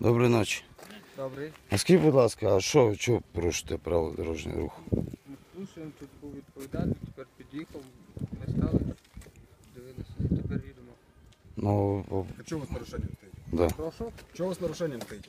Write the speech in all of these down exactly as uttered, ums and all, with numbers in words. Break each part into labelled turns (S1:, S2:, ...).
S1: Доброї ночі.
S2: Добрий.
S1: А скажіть, будь ласка, а що, що порушите правила дорожнього руху?
S2: Ми слушаємо, тут був відповідальний, тепер під'їхав, ми стали, дивилися і тепер їдемо.
S1: Ну, о,
S3: А чого у вас нарушення стоїть?
S1: да.
S2: Прошу?
S3: Чого у вас нарушення стоїть?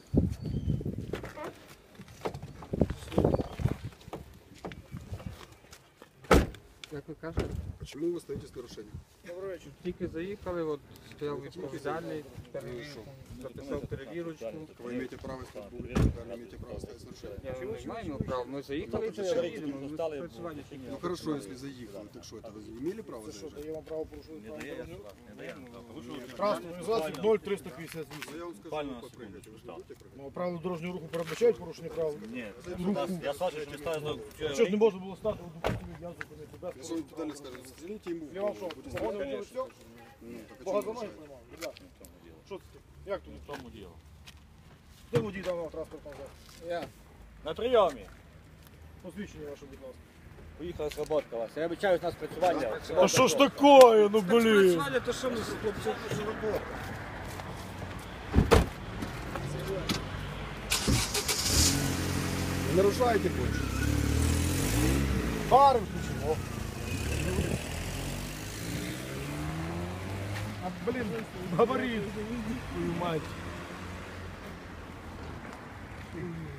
S2: Як ви кажете?
S3: Чому ви стоїте з нарушенням?
S2: Тільки заїхали, от стояв відповідальний, перевірку, записав перевірочку.
S3: Ви маєте право стояти, ви не маєте право стояти з нарушенням.
S2: Я не маємо права, ми заїхали і тепер їдемо. Ми спрацювання ще
S3: Ну хорошо, если заехали, так что, это вы имели право заезжать?
S4: Я вам право порушую. Транспортну організацію ноль триста п'ятдесят вісім.
S3: Ну, я вам скажу, вы попрыгайте, вы же будете прыгать?
S4: Ну, правила дорожнього руху передбачають порушення правил?
S5: Ні, я Саша читаю.
S4: Що ж не можна було стати, допустимо, я зупинити без
S3: Если он туда скажет, стрелите ему в
S4: Я вам що,
S3: голову, будет
S4: погони
S3: стрелять.
S4: вже все?
S3: Ну, так а
S4: Бога
S3: чего
S4: за ноги
S3: мешает?
S4: приймав? Ребята, що це? Як тут?
S5: В тому діло.
S4: Де водій даного транспортного засобу?
S2: Я.
S5: На прийомі.
S4: Посвідчення ваше, будь ласка.
S5: Поїхала сработка вас. Я вибачаюсь на спрацювання.
S4: А що ж таке, ну блін?
S2: Спрацювання, то що ми з хлопців роботи?
S3: Не нарушайте больше.
S4: Фари включимо. А, блін, габарит. Твою мать.